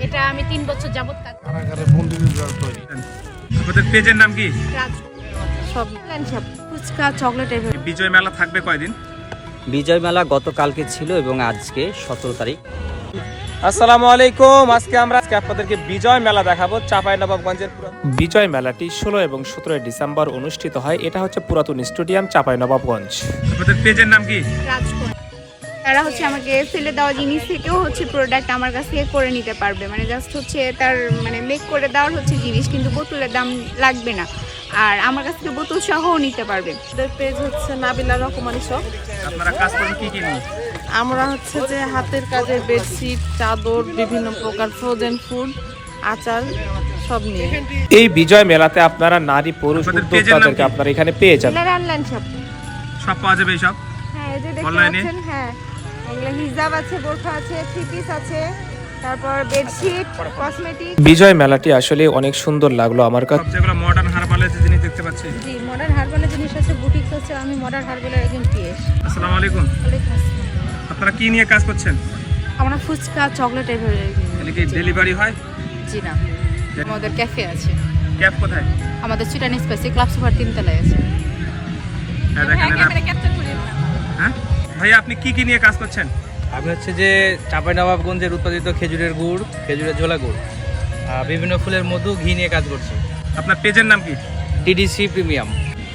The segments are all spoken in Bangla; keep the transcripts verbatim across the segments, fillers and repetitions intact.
এটা আমি তিন বছর যাবত কাজ কারাগারে বন্দীদের জল তৈরি। আপনাদের পেজের নাম কি? রাজ সব সব ফুচকা চকলেট এর বিজয় মেলা থাকবে কয়দিন? বিজয় মেলা গতকালকে ছিল এবং আজকে সতেরো তারিখ। আসসালামু আলাইকুম। আজকে আমরা আজকে আপনাদেরকে বিজয় মেলা দেখাবো চাঁপাইনবাবগঞ্জের। বিজয় মেলাটি ষোলো এবং সতেরোই ডিসেম্বর অনুষ্ঠিত হয়। এটা হচ্ছে পুরাতন স্টেডিয়াম চাঁপাইনবাবগঞ্জ। আপনাদের পেজের নাম কি? রাজকোট। তারা হচ্ছে আমাকে ফেলে দেওয়া জিনিস থেকেও হচ্ছে প্রোডাক্ট আমার কাছ থেকে করে নিতে পারবে, মানে জাস্ট হচ্ছে তার মানে মেক করে দেওয়ার হচ্ছে জিনিস, কিন্তু বোতলের দাম লাগবে না, আর আমার কাছ থেকে বোতল সহও নিতে পারবে। ওদের পেজ হচ্ছে নাবিলা রকমারি শপ। আপনারা কাজ করেন কি কি নিয়ে? আমরা হচ্ছে যে হাতের কাজের বেডশিট, চাদর, বিভিন্ন প্রকার ফ্রোজেন ফুড, আচার সব নিয়ে। এই বিজয় মেলাতে আপনারা নারী পুরুষ আপনাদের পেজের নাম উদ্যোক্তাদেরকে কি? আপনারা এখানে পেয়ে যাবেন। এগুলো অনলাইন শপ। সব পাওয়া যাবে এই সব? হ্যাঁ, এই যে দেখতে অনলাইনে? পাচ্ছেন, হ্যাঁ এগুলো হিজাব আছে, বোরখা আছে, থ্রি পিস আছে, তারপর বেডশিট, কসমেটিক। বিজয় মেলাটি আসলে অনেক সুন্দর লাগলো আমার কাছে। সব যেগুলো মডার্ন হারবালের যে জিনিস দেখতে পাচ্ছি। জি, মডার্ন হার্বালের জিনিস আছে, বুটিক আছে। আমি মডার্ন হার্বালের একজন পিএস। আসসালামু আলাইকুম। আপনারা কি নিয়ে কাজ করছেন? আমরা ফুচকা চকলেট এর এখানে কি ডেলিভারি হয়? জি না, আমাদের ক্যাফে আছে। ক্যাব কোথায়? আমাদের চিটান স্পেসি ক্লাব সুপার তিনতলায় আছে। হ্যাঁ দেখেন এটা। হ্যাঁ ভাই, আপনি কি কি নিয়ে কাজ করছেন? আমি হচ্ছে যে চাঁপাইনবাবগঞ্জের উৎপাদিত খেজুরের গুড়, খেজুরের ঝোলা গুড়, আহ, বিভিন্ন ফুলের মধু, ঘি নিয়ে কাজ করছি। আপনার পেজের নাম কি? TDC premium.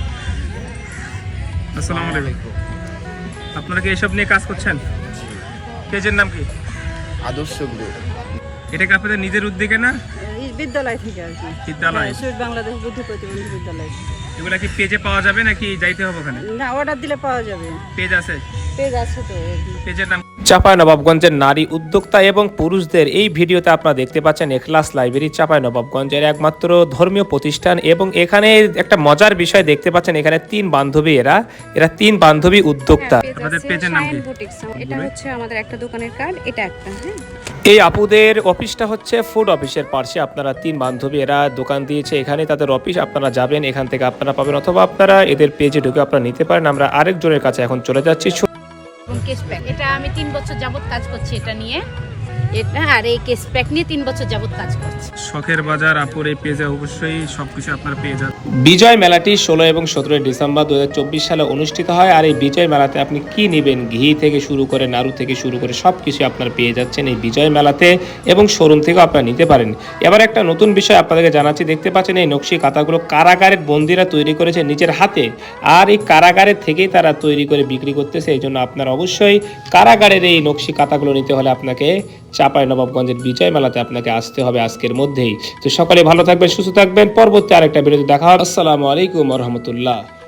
আসসালামু আলাইকুম। আপনারা কি এসব নিয়ে কাজ করছেন? পেজের নাম কি? আদর্শ গ্রুপ। এটা কি আপনাদের নিজের উদ্যোগে না? বিদ্যালয় থেকে আর কি, বিদ্যালয়? শহীদ বাংলাদেশ বুদ্ধি প্রতিবন্ধী বিদ্যালয়। এগুলা কি পেজে পাওয়া যাবে নাকি যাইতে হবে ওখানে? না, অর্ডার দিলে পাওয়া যাবে। পেজ আছে? পেজ আছে তো। পেজের নাম? চাঁপাইনবাবগঞ্জের নারী উদ্যোক্তা এবং পুরুষদের এই ভিডিওতে আপনারা দেখতে পাচ্ছেন এখলাস লাইব্রেরি চাঁপাইনবাবগঞ্জের একমাত্র ধর্মীয় প্রতিষ্ঠান। এবং এখানে একটা মজার বিষয় দেখতে পাচ্ছেন, এখানে তিন বান্ধবী, এরা এরা তিন বান্ধবী উদ্যোক্তা। আপনাদের পেজের নাম কি? এটা হচ্ছে আমাদের একটা দোকানের কার্ড, এটা একটা। হ্যাঁ, এই আপুদের অফিসটা হচ্ছে ফুড অফিসের পাশে। আপনারা তিন বান্ধবী, এরা দোকান দিয়েছে, এখানে তাদের অফিস। আপনারা যাবেন, এখান থেকে আপনারা পাবেন, অথবা আপনারা এদের পেজে ঢুকে আপনারা নিতে পারেন। আমরা আরেকজনের কাছে এখন চলে যাচ্ছি। এবং কেস প্যাক, এটা আমি তিন বছর যাবত কাজ করছি এটা নিয়ে, এটা আর এই কেস প্যাক নিয়ে তিন বছর যাবত কাজ করছি। শখের বাজার আপুর এই পেজে অবশ্যই সবকিছু আপনারা পেয়ে যাবেন। বিজয় মেলাটি ষোলো এবং সতেরোই ডিসেম্বর দু হাজার চব্বিশ সালে অনুষ্ঠিত হয়। আর এই বিজয় মেলাতে আপনি কি নেবেন, ঘি থেকে শুরু করে নাড়ু থেকে শুরু করে সব কিছু আপনারা পেয়ে যাচ্ছেন এই বিজয় মেলাতে, এবং শোরুম থেকেও আপনারা নিতে পারেন। এবার একটা নতুন বিষয় আপনাদেরকে জানাচ্ছি, দেখতে পাচ্ছেন এই নকশি কাঁথাগুলো কারাগারের বন্দীরা তৈরি করেছে নিজের হাতে, আর এই কারাগারের থেকেই তারা তৈরি করে বিক্রি করতেছে। এই জন্য আপনারা অবশ্যই কারাগারের এই নকশি কাঁথাগুলো নিতে হলে আপনাকে চাঁপাইনবাবগঞ্জের বিজয় মেলাতে আপনাকে আসতে হবে আজকের মধ্যেই। তো সকলে ভালো থাকবেন, সুস্থ থাকবেন। পরবর্তী আরেকটা ভিডিওতে দেখা হবে। আসসালামু আলাইকুম ওয়া রাহমাতুল্লাহ।